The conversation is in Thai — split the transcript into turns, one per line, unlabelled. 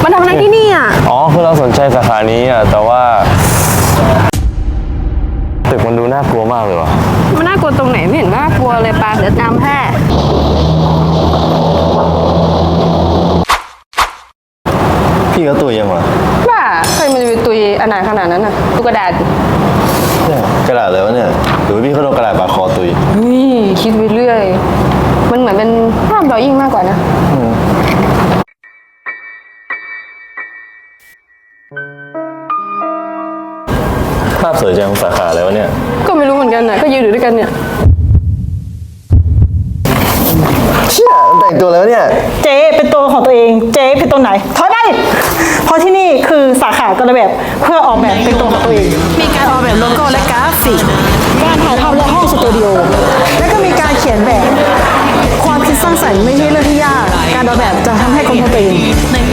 มาทำอะไรที่นี่อ่ะ
อ๋อคือเราสนใจสาขานี้อ่ะแต่ว่าตึกมันดูน่ากลัวมากเลยวะ
มันน่ากลัวตรงไหนไม่เห็นน่ากลัวเลยปาเดี๋ยวจำแพ้
พี่ก็ตัวยังวะ
บ้าใครมันจะไปตุยอนาถขนาดนั้นน่ะดูกระดาษ
เนี่ยกระดาษอะไรวะเนี่ยหรือพี่เขาโดนกระดาษบาดคอตุย
เฮ้ยคิดไปเรื่อยมันเหมือนเป็นภาพดรอยิ่งมากกว่านะ
ภาพสวยจังสาขาอะไรวะเนี่ย
ก็ไม่รู้เหมือนกันนะก็ยืนอยู่ด้วยกันเนี่ย
เชี่ยแต่งตัวแล้วเนี่ย
เจ๊เป็นตัวของตัวเองเจ๊เป็นตัวไหนถอยไปเพราะที่นี่คือสาขาการแบบเพื่อออกแบบเป็นตัวของตัวเองมีการออกแบบโลโก้และกราฟิกการถ่ายทำและห้องสตูดิโอและก็มีการเขียนแบบความคิดสร้างสรรค์ไม่ใช่เรื่องที่ยากการออกแบบจะทำให้คนของตัวเอง